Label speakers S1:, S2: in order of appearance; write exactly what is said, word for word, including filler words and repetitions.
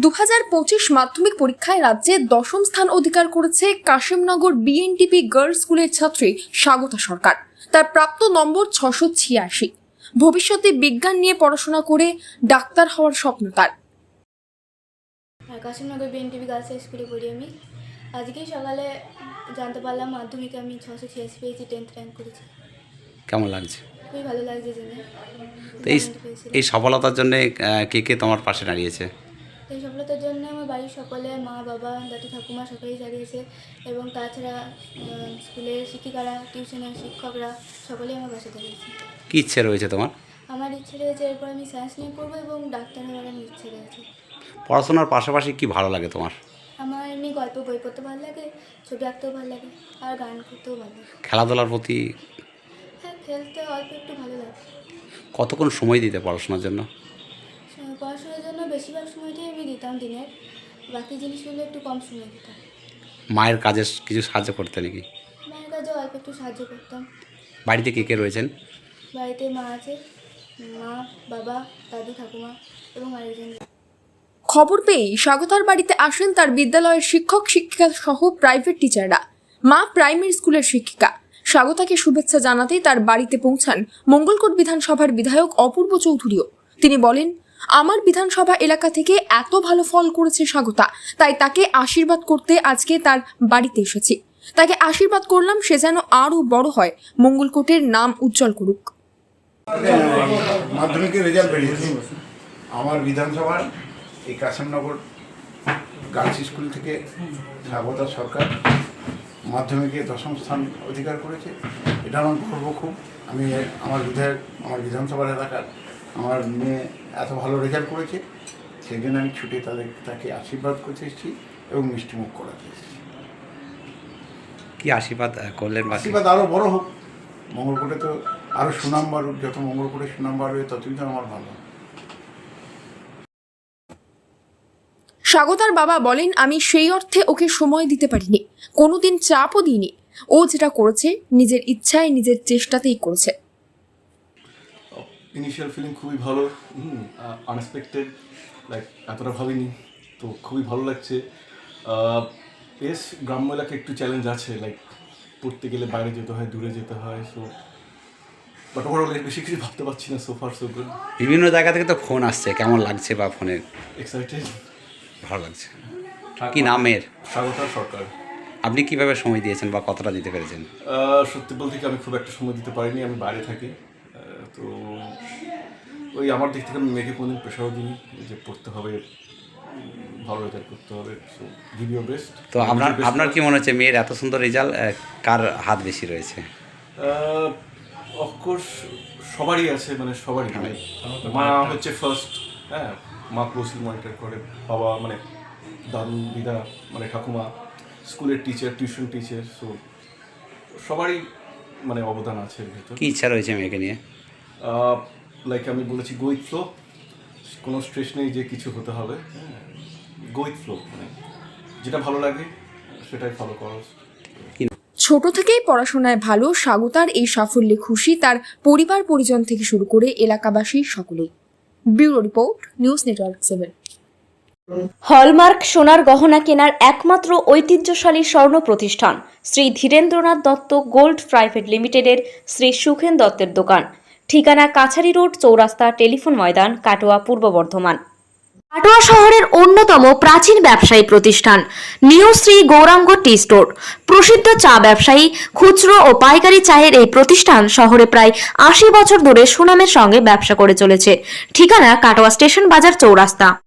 S1: দু হাজার পঁচিশ মাধ্যমিক পরীক্ষায় রাজ্যে দশম স্থান অধিকার করেছে কাশিমনগর বিএনটিপি গার্লস স্কুলের ছাত্রী স্বাগতা সরকার। তার প্রাপ্ত নম্বর ছশো ছিয়াশি। ভবিষ্যতে বিজ্ঞান নিয়ে পড়াশোনা করে ডাক্তার হওয়ার স্বপ্ন তার।
S2: কাশিমনগর বিএনটিপি গার্লস স্কুলে পড়ি আমি। আজকেই সকালে জানতে পারলাম মাধ্যমিকে আমি ছশো ছিয়াশি পেয়েছি, টেন্থ র্যাঙ্ক করেছি।
S3: কেমন লাগছে?
S2: খুবই ভালো লাগছে জেনে।
S3: তো এই এই সফলতার জন্য কে কে তোমার পাশে দাঁড়িয়েছে?
S2: এই সফলতার জন্য আমার বাড়ির সকলে, মা বাবা দাদু ঠাকুমা সকলেই দাঁড়িয়েছে, এবং তাছাড়া স্কুলের শিক্ষিকারা, টিউশনের শিক্ষকরা সকলেই আমার পাশে দাঁড়িয়েছে।
S3: কী ইচ্ছে রয়েছে তোমার?
S2: আমার ইচ্ছে রয়েছে এরপর আমি সায়েন্স নিয়ে পড়বো এবং ডাক্তার হওয়ার আমার ইচ্ছে রয়েছে।
S3: পড়াশোনার পাশাপাশি কি ভালো লাগে তোমার?
S2: আমার এমনি গল্প বই পড়তে ভালো লাগে, ছবি আঁকতেও ভালো লাগে, আর গান করতেও ভালো লাগে।
S3: খেলাধুলার প্রতি?
S2: হ্যাঁ, খেলতে অল্প একটু ভালো লাগে।
S3: কতক্ষণ সময় দিতে পড়াশোনার জন্য?
S2: পড়াশোনার জন্য বেশিরভাগ সময়টাই আমি দিতাম দিনের, বাকি জিনিসগুলো একটু কম সময় দিতাম।
S3: মায়ের কাজে কিছু সাহায্য করতে নাকি?
S2: মায়ের কাজে অল্প একটু সাহায্য করতাম।
S3: বাড়িতে কে কে রয়েছেন?
S2: বাড়িতে মা আছে, মা বাবা দাদু ঠাকুমা এবং আরেকজন।
S1: খবর পেয়ে স্বাগতার বাড়িতে আসেন তার বিদ্যালয়ের শিক্ষক শিক্ষিকা সহ প্রাইভেট টিচাররা। মা প্রাইমারি স্কুলের শিক্ষিকা। স্বাগতাকে শুভেচ্ছা জানাতেই তার বাড়িতে পৌঁছান মঙ্গলকোট বিধানসভার বিধায়ক অপূর্ব চৌধুরীও। তিনি বলেন, আমার বিধানসভা এলাকা থেকে এত ভালো ফল করেছে স্বাগতা, তাই তাকে আশীর্বাদ করতে আজকে তার বাড়িতে এসেছি। তাকে আশীর্বাদ করলাম সে যেন আরও বড় হয়, মঙ্গলকোটের নাম উজ্জ্বল করুক।
S4: মাধ্যমিকের রেজাল্ট বেরিয়েছে আমার বিধানসভার এই কাশিমনগর গার্লস স্কুল থেকে স্বাগতা সরকার মাধ্যমিকে দশম স্থান অধিকার করেছে। এটা আমার গর্ব খুব। আমি আমার বিধায়ক, আমার বিধানসভার এলাকার আমার মেয়ে এত ভালো রেজাল্ট করেছে, সেই জন্য আমি ছুটে তাদের তাকে আশীর্বাদ করতে এসেছি এবং মিষ্টিমুখ করাতে এসেছি।
S3: কি আশীর্বাদ করলেন?
S4: আশীর্বাদ আরও বড় হোক, মঙ্গলকোটে তো আরও সুনাম বাড়ুক, যত মঙ্গলকোটে সুনাম বাড়বে ততই তো আমার ভালো।
S1: স্বাগতার বাবা বলেন, আমি সেই অর্থে ওকে সময় দিতে পারিনি, কোনোদিন চাপও দিইনি। ও যেটা করেছে নিজের ইচ্ছায়, নিজের চেষ্টাতেই করেছে।
S5: ইনিশিয়াল ফিলিং খুবই ভালো, আনএক্সপেক্টেড, লাইক এতটা ভাবিনি, তো খুবই ভালো লাগছে। বেশ গ্রাম্য এলাকায় একটু চ্যালেঞ্জ আছে, লাইক পড়তে গেলে বাইরে যেতে হয়, দূরে যেতে হয়, সো বাট ওভারঅল বেশি কিছু ভাবতে পারছি না। So far so good.
S3: বিভিন্ন জায়গা থেকে তো ফোন আসছে, কেমন লাগছে বা ফোনে?
S5: এক্সাইটেড,
S3: ভালো লাগছে। কি নামের?
S5: স্বাগতা সরকার।
S3: আপনি কিভাবে সময় দিয়েছেন বা কতটা দিতে পেরেছেন?
S5: সত্যি বলতে কি আমি খুব একটা সময় দিতে পারিনি, আমি বাইরে থাকি, তো ওই আমার দিক থেকে আমি মেয়েকে কোনোদিন প্রেশারও দিই যে পড়তে হবে, ভালো রেজাল্ট করতে হবে, সো গিভ ইউর বেস্ট।
S3: তো আপনার আপনার কি মনে হচ্ছে মেয়ের এত সুন্দর রেজাল্ট কার হাত বেশি রয়েছে?
S5: অফকোর্স সবারই আছে, মানে সবারই। মা হচ্ছে ফার্স্ট, হ্যাঁ, মা ক্লোজলি মনিটর করে, বাবা মানে দাদু দিদা মানে ঠাকুমা, স্কুলের টিচার, টিউশন টিচার, সো সবারই মানে অবদান আছে এর ভিতর।
S3: কী ইচ্ছা রয়েছে মেয়েকে নিয়ে?
S5: লাইক আমি বলেছি গো উইথ ফ্লো, কোনো স্ট্রেস নেই যে কিছু হতে হবে, গো উইথ ফ্লো, মানে যেটা ভালো লাগে সেটাই ফলো করো।
S1: ছোট থেকেই পড়াশোনায় ভালো স্বাগতার এই সাফল্যে খুশি তার পরিবার পরিজন থেকে শুরু করে এলাকাবাসী সকলেই। Bureau report, news network seven.
S6: Hallmark সোনার গহনা কেনার একমাত্র ঐতিহ্যশালী স্বর্ণ প্রতিষ্ঠান শ্রী ধীরেন্দ্রনাথ দত্ত গোল্ড প্রাইভেট লিমিটেডের শ্রী সুখেন দত্তের দোকান। ঠিকানা কাছারি রোড, চৌরাস্তা, টেলিফোন ময়দান, কাটোয়া, পূর্ব বর্ধমান। কাটোয়া শহরের অন্যতম প্রাচীন ব্যবসায়ী প্রতিষ্ঠান new Shri Gouranga tea store. প্রসিদ্ধ চা ব্যবসায়ী, খুচরো ও পাইকারি চায়ের এই প্রতিষ্ঠান শহরে প্রায় আশি বছর ধরে সুনামের সঙ্গে ব্যবসা করে চলেছে। ঠিকানা কাটোয়া স্টেশন বাজার, চৌরাস্তা।